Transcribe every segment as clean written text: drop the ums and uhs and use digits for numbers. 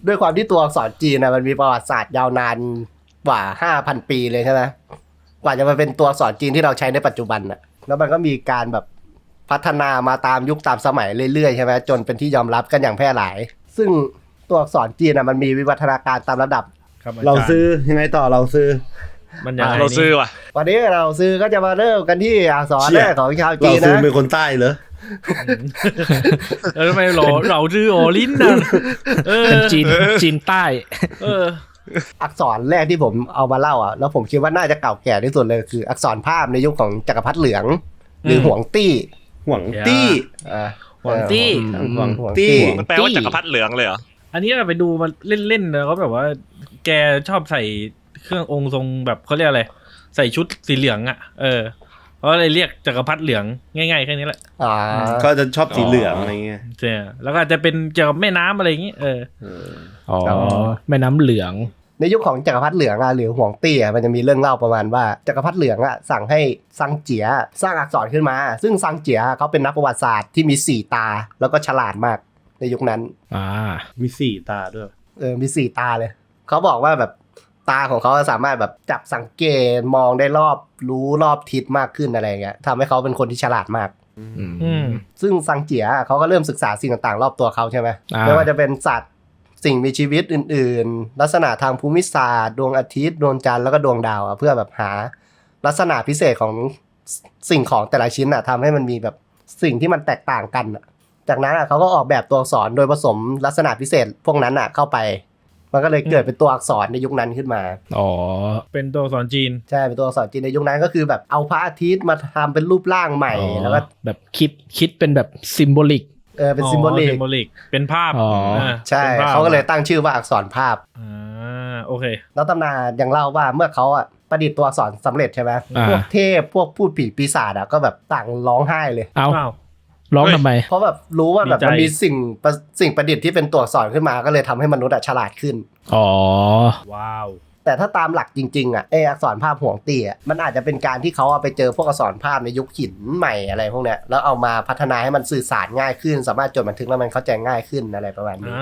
ด้วยความที่ตัวอักษรจีนนะมันมีประวัติศาสตร์ยาวนานกว่า 5,000 ปีเลยใช่ไหมกว่าจะมาเป็นตัวอักษรจีนที่เราใช้ในปัจจุบันน่ะแล้วมันก็มีการแบบพัฒนามาตามยุคตามสมัยเรื่อยๆใช่ไหมจนเป็นที่ยอมรับกันอย่างแพร่หลายซึ่งตัวอักษรจีนมันมีวิวัฒนาการตามระดับเราซื้อยังไงต่อเราซื้อมันอย่างเราซื้อว่ะวันนี้เราซื้อก็จะมาเริ่มกันที่อักษรแรกของชาวจีนนะเราซื้อเป็นคนใต้เหรอทำไมเราซื้อโอลิ้นนะเป็นจีนใต้อักษรแรกที่ผมเอามาเล่าแล้วผมคิดว่าน่าจะเก่าแก่ที่สุดเลยคืออักษรภาพในยุคของจักรพรรดิเหลืองหรือหวงตี้หวงตี้หวงตี้มันแปลว่าจักรพรรดิเหลืองเลยเหรออันนี้เราไปดูมาเล่นๆแล้วก็แบบว่าแกชอบใส่เครื่ององค์ทรงแบบเขาเรียกอะไรใส่ชุดสีเหลืองอ่ะเพราะอะไรเรียกจักรพรรดิเหลืองง่ายๆแค่นี้แหละก็จะชอบสีเหลืองอะไรเงี้ยใช่แล้วก็อาจจะเป็นเกี่ยวกับแม่น้ำอะไรอย่างงี้แม่น้ำเหลืองในยุคของจักรพรรดิเหลืองหรือหวงตี้มันจะมีเรื่องเล่าประมาณว่าจักรพรรดิเหลืองสั่งให้ซังเจียสร้างอักษรขึ้นมาซึ่งซังเจียเขาเป็นนักประวัติศาสตร์ที่มี4ตาแล้วก็ฉลาดมากในยุคนั้นมี4ตาด้วยมี4ตาเลยเขาบอกว่าแบบตาของเขาสามารถแบบจับสังเกตมองได้รู้รอบทิศมากขึ้นอะไรเงี้ยทำให้เขาเป็นคนที่ฉลาดมากซึ่งซังเจียเขาก็เริ่มศึกษาสิ่งต่างๆรอบตัวเขาใช่ไหมไม่ว่าจะเป็นสัตว์สิ่งมีชีวิตอื่นๆลักษณะทางภูมิศาสตร์ดวงอาทิตย์ดวงจันทร์แล้วก็ดวงดาวเพื่อแบบหาลักษณะพิเศษของสิ่งของแต่ละชิ้นทำให้มันมีแบบสิ่งที่มันแตกต่างกันจากนั้นเขาก็ออกแบบตัวอักษรโดยผสมลักษณะพิเศษพวกนั้นเข้าไปมันก็เลยเกิดเป็นตัวอักษรในยุคนั้นขึ้นมาเป็นตัวอักษรจีนใช่เป็นตัวอักษรจีนในยุคนั้นก็คือแบบเอาพระอาทิตย์มาทำเป็นรูปร่างใหม่แล้วก็แบบคิดเป็นแบบซิมโบลิกเป็นซิมโบลิกเป็นภาพใช่เขาก็เลยตั้งชื่อว่าอักษรภาพโอเคแล้วตำนานยังเล่าว่าเมื่อเขาประดิษฐ์ตัวอักษรสำเร็จใช่ไหมพวกเทพพวกพูดผีปีศาจก็แบบต่างร้องไห้เลยร้องทำไมเพราะแบบรู้ว่าแบบมันมีสิ่งประดิษฐ์ที่เป็นตัวอักษรขึ้นมาก็เลยทำให้มนุษย์ฉลาดขึ้นว้าวแต่ถ้าตามหลักจริงๆอักษรภาพหวงตี้มันอาจจะเป็นการที่เขาไปเจอพวกอักษรภาพในยุคหินใหม่อะไรพวกเนี้ยแล้วเอามาพัฒนาให้มันสื่อสารง่ายขึ้นสามารถจดบันทึกแล้วมันเข้าใจง่ายขึ้นอะไรประมาณนี้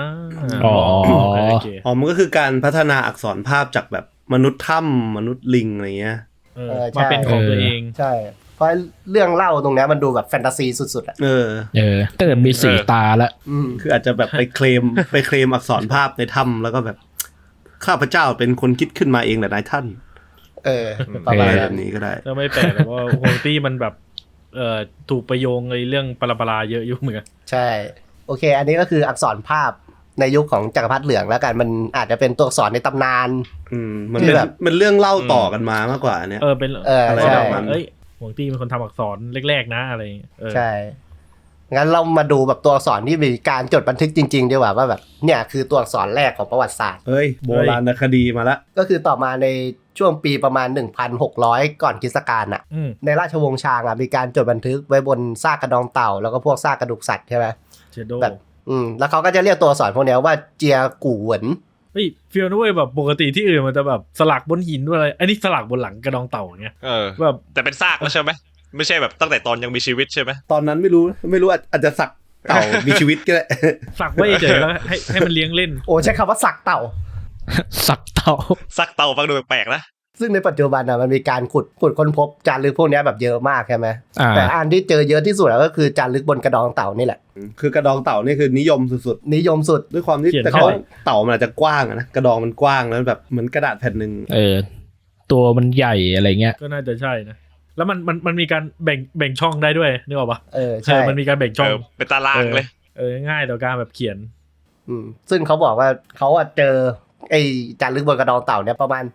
มันก็คือการพัฒนาอักษรภาพจากแบบมนุษย์ถ้ำมนุษย์ลิงอะไรเงี้ยมาเป็นของตัวเองใช่เพราะเรื่องเล่าตรงนี้มันดูแบบแฟนตาซีสุดๆก็จะมี4ตาแล้วคืออาจจะแบบไปเคลมอักษรภาพในถ้ำแล้วก็แบบข้าพเจ้าเป็นคนคิดขึ้นมาเองแหละนายท่านประมาณแบบนี้ก็ได้ก็ไม่แปลกว่าโฮตี้มันแบบถูกประโยงในเรื่องปราเยอะอยู่เหมือนกันใช่โอเคอันนี้ก็คืออักษรภาพในยุคของจักรพรรดิเหลืองแล้วกันมันอาจจะเป็นตัวอักษรในตำนานมันเรื่องเล่าต่อกันมามากกว่าเนี่ยเป็นอะไรแบบนั้นโฮตี้เป็นคนทำอักษรแรกๆนะอะไรใช่งั้นเรามาดูแบบตัวอักษรที่มีการจดบันทึกจริงๆดีกว่าว่าแบบเนี่ยคือตัวอักษรแรกของประวัติศาสตร์โบราณคดีมาละก็คือต่อมาในช่วงปีประมาณ 1,600 ก่อนคริสต์กาลในราชวงศ์ชางมีการจดบันทึกไว้บนซากกระดองเต่าแล้วก็พวกซากกระดูกสัตว์ใช่ไหมแบบแล้วเขาก็จะเรียกตัวอักษรพวกนี้ว่าเจียกู่เหวินฟีลนู้ยแบบปกติที่อื่นมันจะแบบสลักบนหินด้วยอะไรอันนี้สลักบนหลังกระดองเต่าอย่างเงี้ยแบบแต่เป็นซากแล้วใช่ไหมไม่ใช่แบบตั้งแต่ตอนยังมีชีวิตใช่ไหมตอนนั้นไม่รู้อาจจะสักเต่ามีชีวิตก็ได้สักไว้เฉยแล้วให้มันเลี้ยงเล่นใช้คำว่าสักเต่าสักเต่าฟังดูแปลกๆนะซึ่งในปัจจุบันมันมีการขุดค้นพบจารึกพวกนี้แบบเยอะมากใช่ไหมแต่อันที่เจอเยอะที่สุดก็คือจารึกบนกระดองเต่านี่แหละคือกระดองเต่านี่คือนิยมสุดด้วยความที่แต่เขาเต่ามันอาจจะกว้างนะกระดองมันกว้างแล้วแบบเหมือนกระดาษแผ่นนึงตัวมันใหญ่อะไรเงี้ยก็น่าจะใช่นะแล้วมันมีการแบ่งช่องได้ด้วยนึกออกปะใช่มันมีการแบ่งช่องเป็นตารางเลยง่ายต่อการแบบเขียนซึ่งเขาบอกว่าเขาเจอไอ้จารึกบนกระดองเต่าเนี่ยประมาณ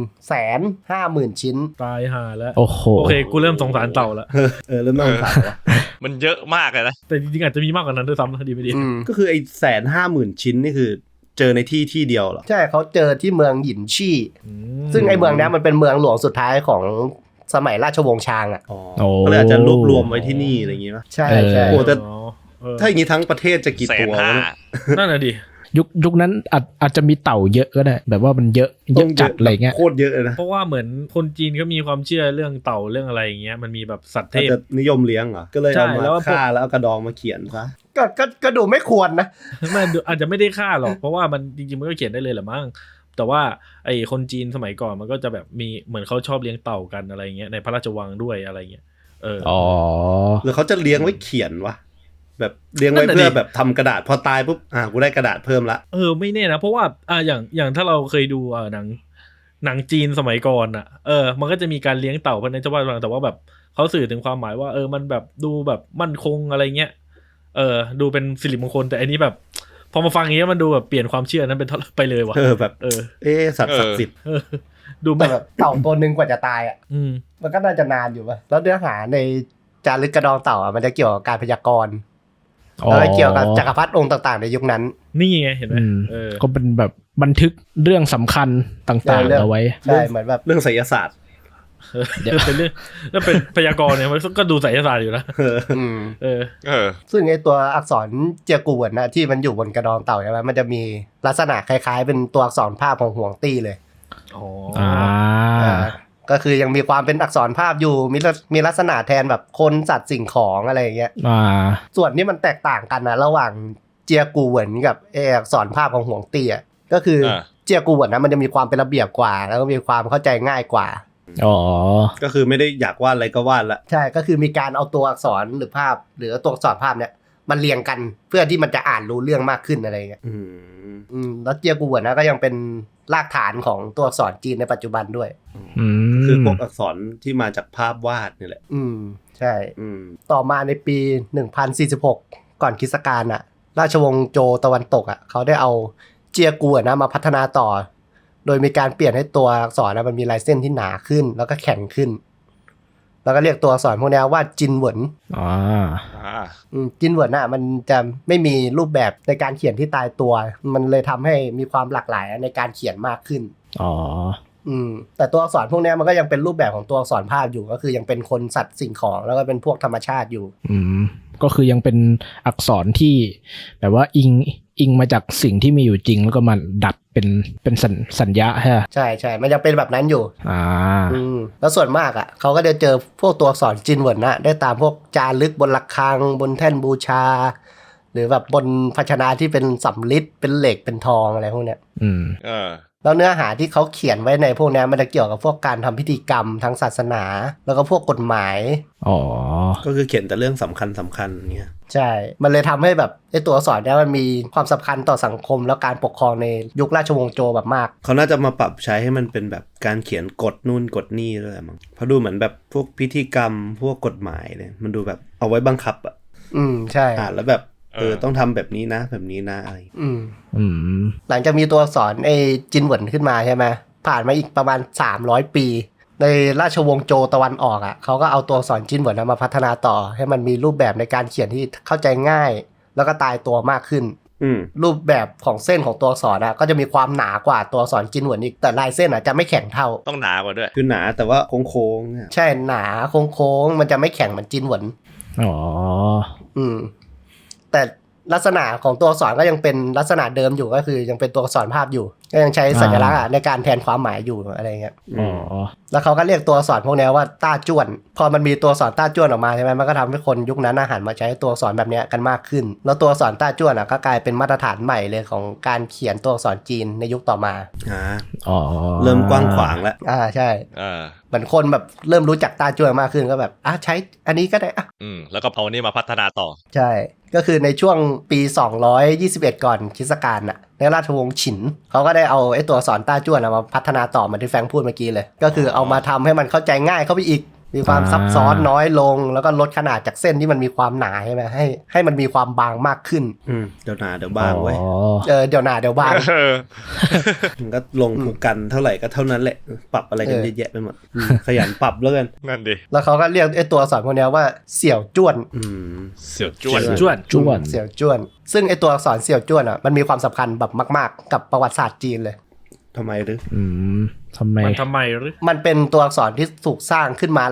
150,000 ชิ้นตายห่าแล้วโอเคกูเริ่มสงสารเต่าแล้วเริ่มสงสารแล้วมันเยอะมากเลยนะแต่จริงๆอาจจะมีมากกว่านั้นด้วยซ้ำดีไม่ดีก็คือไอ้ 150,000 ชิ้นนี่คือเจอในที่เดียวเหรอใช่เขาเจอที่เมืองหยินชี่ซึ่งไอ้เมืองนี้มันเป็นเมืองหลวงสุดท้ายของสมัยราชวงศ์ชางก็เลยอาจจะรวบรวมไว้ที่นี่อะไรอย่างงี้ป่ะใช่แต่ถ้าอย่างงี้ทั้งประเทศจะกี่ตัวนั่นน่ะดิยุคนั้นอาจจะมีเต่าเยอะก็ได้แบบว่ามันเยอะจัดอะไรเงี้ยโคตรเยอะเลยนะเพราะว่าเหมือนคนจีนเขามีความเชื่อเรื่องเต่าเรื่องอะไรอย่างเงี้ยมันมีแบบสัตว์เทพจะนิยมเลี้ยงเหรอก็เลยเอามาฆ่าแล้วเอากระดองมาเขียนซะก็ดูไม่ควรนะมันอาจจะไม่ได้ฆ่าหรอกเพราะว่ามันจริงๆมันก็เขียนได้เลยแหละมั้งแต่ว่าไอ้คนจีนสมัยก่อนมันก็จะแบบมีเหมือนเขาชอบเลี้ยงเต่ากันอะไรเงี้ยในพระราชวังด้วยอะไรเงี้ยหรือเขาจะเลี้ยงไว้เขียนวะแบบเลี้ยงไว้เพื่อแบบทำกระดาษพอตายปุ๊บกูได้กระดาษเพิ่มละไม่แน่นะเพราะว่าอย่างถ้าเราเคยดูหนังจีนสมัยก่อนอ่ะมันก็จะมีการเลี้ยงเต่าภายในเจ้าบ้านแต่ว่าแบบเขาสื่อถึงความหมายว่ามันแบบดูแบบมั่นคงอะไรเงี้ยดูเป็นสิริมงคลแต่อันนี้แบบพอมาฟังอย่างเงี้ยมันดูแบบเปลี่ยนความเชื่อนั้นเป็นไปเลยว่ะแบบสัตว์ศักดิ์สิทธิ์ดูแบบเต่าตัวนึงกว่าจะตายอ่ะมันก็น่าจะนานอยู่ป่ะแล้วเนื้อหาในจารึกกระดองเต่ามันจะเกี่ยวกับการพยากรณ์แล้วเกี่ยวกับจักรพรรดิองค์ต่างๆในยุคนั้นนี่ไงเห็นไหมก็เป็นแบบบันทึกเรื่องสำคัญต่างๆเอาไว้ใช่เหมือนแบบเรื่องไสยศาสตร์เป็นเรื่องแล้วเป็นพยากรณ์เนี่ยมันก็ดูไสยศาสตร์อยู่นะซึ่งไอตัวอักษรเจียกูเหวินนะที่มันอยู่บนกระดองเต่าใช่ไหมมันจะมีลักษณะคล้ายๆเป็นตัวอักษรภาพของห่วงตี้เลยก็คือยังมีความเป็นอักษรภาพอยู่มีลักษณะแทนแบบคนสัตว์สิ่งของอะไรอย่างเงี้ยส่วนนี้มันแตกต่างกันนะระหว่างเจียกูเหวินกับอักษรภาพของห่วงตี้ก็คือเจียกูเหวินนะมันจะมีความเป็นระเบียบกว่าแล้วก็มีความเข้าใจง่ายกว่าก็คือไม่ได้อยากวาดอะไรก็วาดละใช่ก็คือมีการเอาตัวอักษรหรือภาพหรือตัวอักษรภาพเนี่ยมันเรียงกันเพื่อที่มันจะอ่านรู้เรื่องมากขึ้นอะไรเงี้ยแล้วเจียกูเหวินนะก็ยังเป็นรากฐานของตัวอักษรจีนในปัจจุบันด้วยคือพวกอักษรที่มาจากภาพวาดนี่แหละใช่ต่อมาในปี1046ก่อนคริสต์กาลราชวงศ์โจวตะวันตกเขาได้เอาเจียกูนะมาพัฒนาต่อโดยมีการเปลี่ยนให้ตัวอักษรมันมีลายเส้นที่หนาขึ้นแล้วก็แข็งขึ้นแล้วก็เรียกตัวอักษรพวกนี้ว่าจินเหวินจินเหวินมันจะไม่มีรูปแบบในการเขียนที่ตายตัวมันเลยทำให้มีความหลากหลายในการเขียนมากขึ้นแต่ตัวอักษรพวกนี้มันก็ยังเป็นรูปแบบของตัวอักษรภาพอยู่ก็คือยังเป็นคนสัตว์สิ่งของแล้วก็เป็นพวกธรรมชาติอยู่ก็คือยังเป็นอักษรที่แบบว่าอิงมาจากสิ่งที่มีอยู่จริงแล้วก็มาดัดเป็นสัญญาใช่ใช่มันยังเป็นแบบนั้นอยู่แล้วส่วนมากเขาก็จะเจอพวกตัวอักษรจินเหวินได้ตามพวกจารึกบนระฆังบนแท่นบูชาหรือแบบบนภาชนะที่เป็นสำริดเป็นเหล็กเป็นทองอะไรพวกเนี้ยแล้วเนื้อหาที่เขาเขียนไว้ในพวกนี้มันจะเกี่ยวกับพวกการทำพิธีกรรมทางศาสนาแล้วก็พวกกฎหมายก็คือเขียนแต่เรื่องสำคัญเงี้ยใช่มันเลยทำให้แบบไอ้ตัวอักษรนี้มันมีความสำคัญต่อสังคมแล้วการปกครองในยุคราชวงศ์โจวแบบมากเขาน่าจะมาปรับใช้ให้มันเป็นแบบการเขียนกฎนู่นกฎนี่ด้วยมั้งเพราะดูเหมือนแบบพวกพิธีกรรมพวกกฎหมายเนี่ยมันดูแบบเอาไว้บังคับใช่แล้วแบบต้องทำแบบนี้นะแบบนี้นะอะไรหลังจากมีตัวอักษรไอ้จินเหวินขึ้นมาใช่ไหมผ่านมาอีกประมาณ300ปีในราชวงศ์โจวตะวันออกเขาก็เอาตัวอักษรจินเหวินมาพัฒนาต่อให้มันมีรูปแบบในการเขียนที่เข้าใจง่ายแล้วก็ตายตัวมากขึ้นรูปแบบของเส้นของตัวอักษรก็จะมีความหนากว่าตัวอักษรจินเหวินอีกแต่ลายเส้นจะไม่แข็งเท่าต้องหนากว่าด้วยคือหนาแต่ว่าโค้งๆใช่หนาโค้งๆมันจะไม่แข็งเหมือนจินเหวินแต่ลักษณะของตัวอักษรก็ยังเป็นลักษณะเดิมอยู่ก็คือยังเป็นตัวอักษรภาพอยู่ก็ยังใช้สัญลักษณ์ในการแทนความหมายอยู่อะไรเงี้ยแล้วเขาก็เรียกตัวอักษรพวกนี้ว่าต้าจ้วนพอมันมีตัวอักษรต้าจ้วนออกมาใช่ไหมมันก็ทำให้คนยุคนั้นหันมาใช้ตัวอักษรแบบนี้กันมากขึ้นแล้วตัวอักษรต้าจ้วนก็กลายเป็นมาตรฐานใหม่เลยของการเขียนตัวอักษรจีนในยุคต่อมาเริ่มกว้างขวางแล้วใช่เหมือนคนแบบเริ่มรู้จักต้าจ้วนมากขึ้นก็แบบใช้อันนี้ก็ได้แล้วก็เอานี่มาพัฒนาต่อใช่ก็คือในช่วงปี221ก่อนคริสต์กาลในราชวงศ์ฉินเขาก็ได้เอาไอ้ตัวอักษรต้าจ้วนมาพัฒนาต่อเหมือนที่แฟงพูดเมื่อกี้เลยก็คือเอามาทำให้มันเข้าใจง่ายเข้าไปอีกมีความซับซ้อนน้อยลงแล้วก็ลดขนาดจากเส้นที่มันมีความหนาใช่ไหมให้มันมีความบางมากขึ้นเดี๋ยวหนาเดี๋ยวบางไว้เดี๋ยวหนาเดี๋ยวบางมันก็ลงผูกกันเท่าไหร่ก็เท่านั้นแหละปรับอะไรกันเยอะแยะไปหมดขยันปรับแล้วกันนั่นดิแล้วเขาก็เรียกไอ้ตัวอักษรพวกนี้ว่าเสี่ยวจ้วนเสี่ยวจ้วนเสี่ยวจ้วนซึ่งไอ้ตัวอักษรเสี่ยวจ้วนมันมีความสำคัญแบบมากๆกับประวัติศาสตร์จีนเลยทำไมหรือทำไมหรือมันเป็นตัวอักษรที่ถูกสร้างขึ้นมาหลัง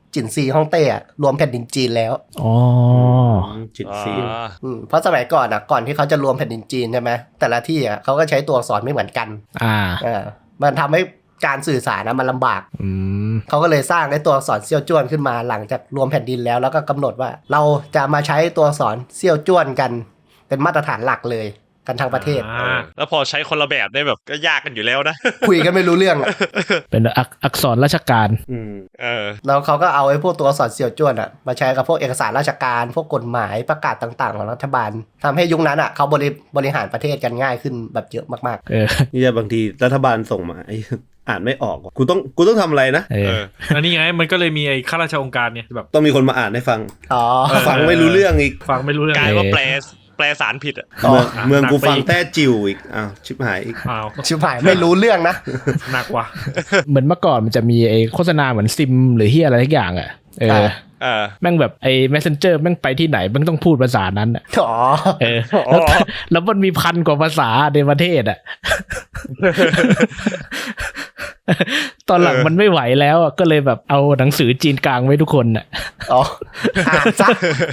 จินซีฮ่องเต้รวมแผ่นดินจีนแล้วอ๋อจิตซีเพราะสมัยก่อนก่อนที่เขาจะรวมแผ่นดินจีนใช่ไหมแต่ละที่เขาก็ใช้ตัวอักษรไม่เหมือนกันมันทำให้การสื่อสารมันลำบากเขาก็เลยสร้างไอ้ตัวอักษรเซี่ยวจ้วนขึ้นมาหลังจากรวมแผ่นดินแล้วก็กำหนดว่าเราจะมาใช้ตัวอักษรเซี่ยวจ้วนกันเป็นมาตรฐานหลักเลยกันทั้งประเทศแล้วพอใช้คนละแบบได้แบบก็ยากกันอยู่แล้วนะคุยกันไม่รู้เรื่องเป็นอักษรราชการแล้วเขาก็เอาไอ้พวกตัวอักษรเซี่ยวจ้วนมาใช้กับพวกเอกสารราชการพวกกฎหมายประกาศต่างๆของรัฐบาลทำให้ยุคนั้นเขาบริหารประเทศกันง่ายขึ้นแบบเยอะมากๆนี่บางทีรัฐบาลส่งมาอ่านไม่ออกกูต้องทำอะไรนะอันนี้ไงมันก็เลยมีไอ้ข้าราชองค์การเนี่ยแบบต้องมีคนมาอ่านให้ฟังฟังไม่รู้เรื่องอีกฟังไม่รู้เรื่องกลายว่าแปลสารผิดเมืองกูฟังแต้จิ๋วอีกชิบหายอีกชิบหายไม่รู้เรื่องนะหนักว่ะเหมือนเมื่อก่อนมันจะมีไอ้โฆษณาเหมือนซิมหรือเฮียอะไรทุกอย่างแม่งแบบไอ้ Messenger แม่งไปที่ไหนแม่งต้องพูดภาษานั้นแล้วมันมีพันกว่าภาษาในประเทศตอนหลังมันไม่ไหวแล้วก็เลยแบบเอาหนังสือจีนกลางไว้ทุกคนอ่านซะ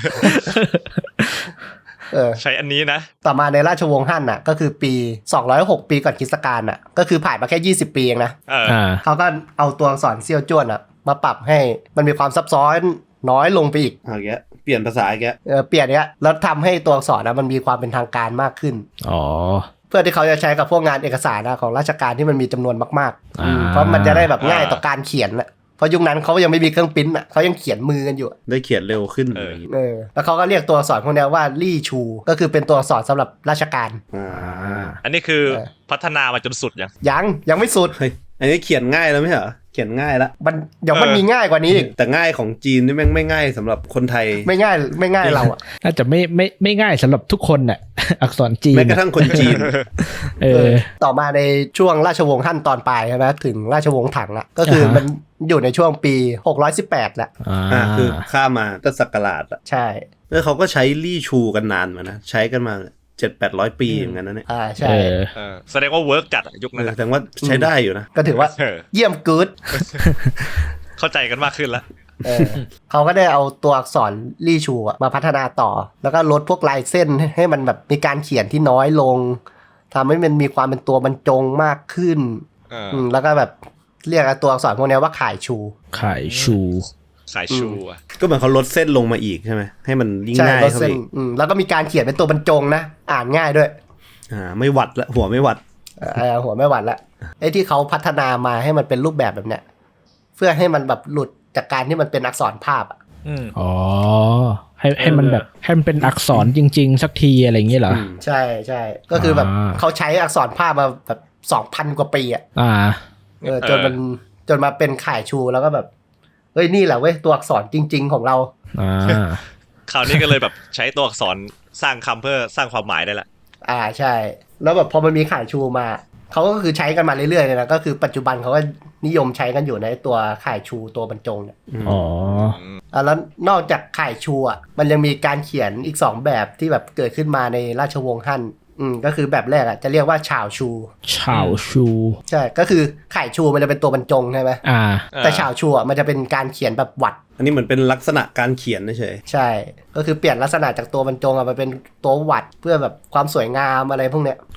ใช้อันนี้นะต่อมาในราชวงศ์ฮั่นก็คือปี206ปีก่อนคริสตกาลก็คือผ่านมาแค่20ปีเองนะเขาก็เอาตัวอักษรเซี่ยวจ้วนมาปรับให้มันมีความซับซ้อนน้อยลงไปอีกเปลี่ยนภาษาอีกเปลี่ยนแล้วทำให้ตัวอักษรมันมีความเป็นทางการมากขึ้นเพื่อที่เขาจะใช้กับพวกงานเอกสารของราชการที่มันมีจำนวนมากๆเพราะมันจะได้แบบง่ายต่อการเขียนเพราะยุคนั้นเขายังไม่มีเครื่องปริ้นเขายังเขียนมือกันอยู่ได้เขียนเร็วขึ้นแล้วเขาก็เรียกตัวอักษรพวกนี้ว่าลี่ชูก็คือเป็นตัวอักษรสำหรับราชการอันนี้คือพัฒนามาจนสุดยังไม่สุดอันนี้เขียนง่ายแล้วไม่ใช่เหรอเขียนง่ายแล้วมันมีง่ายกว่านี้อีกแต่ง่ายของจีนนี่แม่งไม่ง่ายสำหรับคนไทยไม่ง่ายเราน่าจะไม่ง่ายสำหรับทุกคนอักษรจีนแม้กระทั่งคนจีนต่อมาในช่วงราชวงศ์ฮั่นตอนปลายใช่ไหมถึงราชวงศ์ถังก็คือมันอยู่ในช่วงปี618แล้วคือข้ามมาตั้งศักราชใช่แล้วเขาก็ใช้ลี่ชูกันนานมานะใช้กันมา700-800 ปีเหมือนกันนะเนี่ยใช่แสดงว่าเวิร์กจัดยุคนั้นแสดงว่าใช้ได้อยู่นะก็ถือว่าเยี่ยมกู๊ดเข้าใจกันมากขึ้นแล้วเขาก็ได้เอาตัวอักษรลี่ชูมาพัฒนาต่อแล้วก็ลดพวกลายเส้นให้มันแบบมีการเขียนที่น้อยลงทำให้มันมีความเป็นตัวบรรจงมากขึ้นแล้วก็แบบเรียกตัวอักษรพวกนี้ว่าข่ายชูก็เหมือนเขาลดเส้นลงมาอีกใช่ไหมให้มันยิ่งง่ายเข้าไปแล้วก็มีการเขียนเป็นตัวบรรจงนะอ่านง่ายด้วยไม่หวัดละหัวไม่หวัดหัวไม่หวัดละไอ้ที่เขาพัฒนามาให้มันเป็นรูปแบบเนี้ยเพื่อให้มันแบบหลุดจากการที่มันเป็นอักษรภาพให้มันแบบให้มันเป็นอักษรจริงๆสักทีอะไรอย่างเงี้ยเหรอใช่ก็คือแบบเขาใช้อักษรภาพมาแบบ 2,000 กว่าปีจนมาเป็นข่ายชูแล้วก็แบบเฮ้ยนี่แหละเว้ยตัวอักษรจริงๆของเราคราวนี้ก็เลยแบบใช้ตัวอักษรสร้างคำเพื่อสร้างความหมายได้ละใช่แล้วแบบพอมันมีข่ายชูมาเขาก็คือใช้กันมาเรื่อยๆเลยนะก็คือปัจจุบันเขาก็นิยมใช้กันอยู่ในตัวข่ายชูตัวบรรจงเนี่ยแล้วนอกจากข่ายชูมันยังมีการเขียนอีก2แบบที่แบบเกิดขึ้นมาในราชวงศ์ฮั่นก็คือแบบแรกจะเรียกว่าฉาวชูใช่ก็คือข่ายชูมันจะเป็นตัวบรรจงใช่ไหมแต่ฉาวชูมันจะเป็นการเขียนแบบหวัดอันนี้เหมือนเป็นลักษณะการเขียนเฉยใช่ก็คือเปลี่ยนลักษณะจากตัวบรรจงมาเป็นตัวหวัดเพื่อแบบความสวยงามอะไรพวกเนี้ย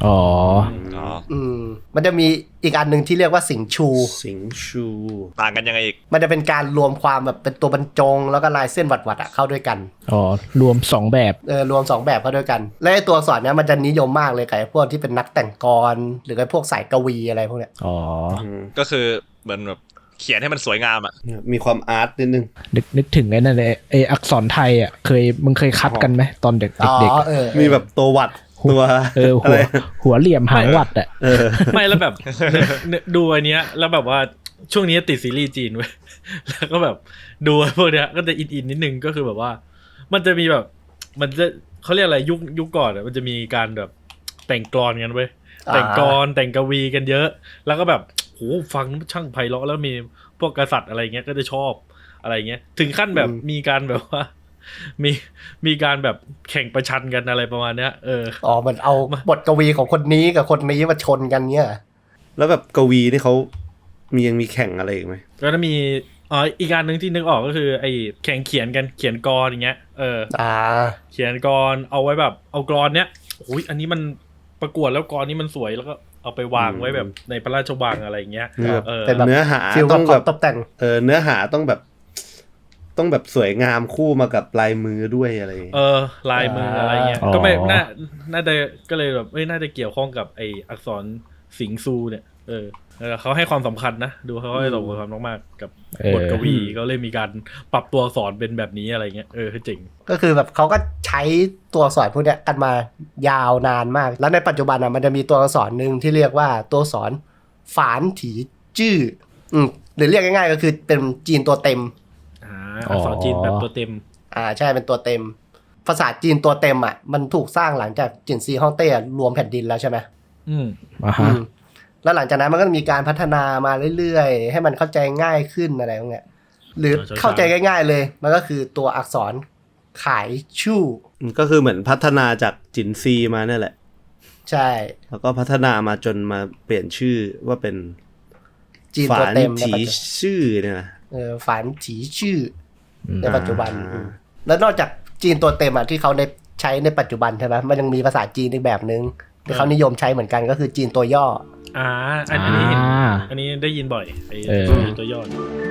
มันจะมีอีกอันนึงที่เรียกว่าสิงชูต่างกันยังไงอีกมันจะเป็นการรวมความแบบเป็นตัวบรรจงแล้วก็ลายเส้นหวัดเข้าด้วยกันรวม2แบบรวม2แบบเข้าด้วยกันและไอ้ตัวอักษรเนี้ยมันจะนิยมมากเลยกับพวกที่เป็นนักแต่งกลหรือไอ้พวกสายกวีอะไรพวกเนี้ยก็คือเหมือนแบบเขียนให้มันสวยงามมีความอาร์ตนิดนึงนึกถึงไอ้นั่นเลยไอ้อักษรไทยมึงเคยคัดกันไหมตอนเด็กมีแบบตัววัดตัวหัวเหลี่ยมหางวัดไม่แล้วแบบดูอันเนี้ยแล้วแบบว่าช่วงนี้ติดซีรีส์จีนเว้ยแล้วก็แบบดูพวกเนี้ยก็จะอินนิดนึงก็คือแบบว่ามันจะมีแบบมันจะเขาเรียกอะไรยุคก่อนมันจะมีการแบบแต่งกลอนกันเว้ยแต่งกลอนแต่งกวีกันเยอะแล้วก็แบบโหฟังช่างไพเราะแล้วมีพวกกษัตริย์อะไรเงี้ยก็จะชอบอะไรเงี้ยถึงขั้นแบบมีการแบบว่ามีการแบบแข่งประชันกันอะไรประมาณเนี้ยมันเอาบทกวีของคนนี้กับคนนี้มาชนกันเนี้ยแล้วแบบกวีนี่เขายังมีแข่งอะไรอีกไหมแล้วมีอ๋ออีกการหนึ่งที่นึกออกก็คือไอ้แข่งเขียนกันเขียนกรอย่างเงี้ยเขียนกรเอาไว้แบบเอากรเนี้ยโอ้ยอันนี้มันประกวดแล้วกรนี้มันสวยแล้วก็เอาไปวางไว้แบบในพระราชวังอะไรอย่างเงี้ยเป็นแบบเนื้อหาต้องแบบตกแต่งเนื้อหาต้องแบบสวยงามคู่มากับลายมือด้วยอะไรลายมืออะไรเงี้ยก็ไม่น่าจะก็เลยแบบน่าจะเกี่ยวข้องกับไออักษรสิงซูเนี่ยเขาให้ความสำคัญนะดูเขาให้ความสำคัญมากๆกับบทกวีก็เลยมีการปรับตัวอักษรเป็นแบบนี้อะไรเงี้ยคือจริงก็คือแบบเขาก็ใช้ตัวอักษรพวกเนี้ยกันมายาวนานมากแล้วในปัจจุบันมันจะมีตัวอักษรนึงที่เรียกว่าตัวอักษรฝานถีจื้อหรือเรียกง่ายๆก็คือเป็นจีนตัวเต็มอักษรจีนแบบตัวเต็มใช่เป็นตัวเต็มภาษาจีนตัวเต็มมันถูกสร้างหลังจากจินซีฮ่องเต้รวมแผ่นดินแล้วใช่ไหมแล้วหลังจากนั้นมันก็มีการพัฒนามาเรื่อยๆให้มันเข้าใจง่ายขึ้นอะไรพวกเนี้ยหรือเข้าใจง่ายๆเลยมันก็คือตัวอักษรขายชู่ก็คือเหมือนพัฒนาจากจินซีมาเนี่ยแหละใช่แล้วก็พัฒนามาจนมาเปลี่ยนชื่อว่าเป็นจีนตัวเต็มถีชื่อเนี่ยฝานถีชื่อในปัจจุบันแล้วนอกจากจีนตัวเต็มที่เขาใช้ในปัจจุบันใช่ไหมมันยังมีภาษาจีนอีกแบบนึงที่เขานิยมใช้เหมือนกันก็คือจีนตัวย่ออันนี้ได้ยินบ่อยไอ้จีนตัวย่อ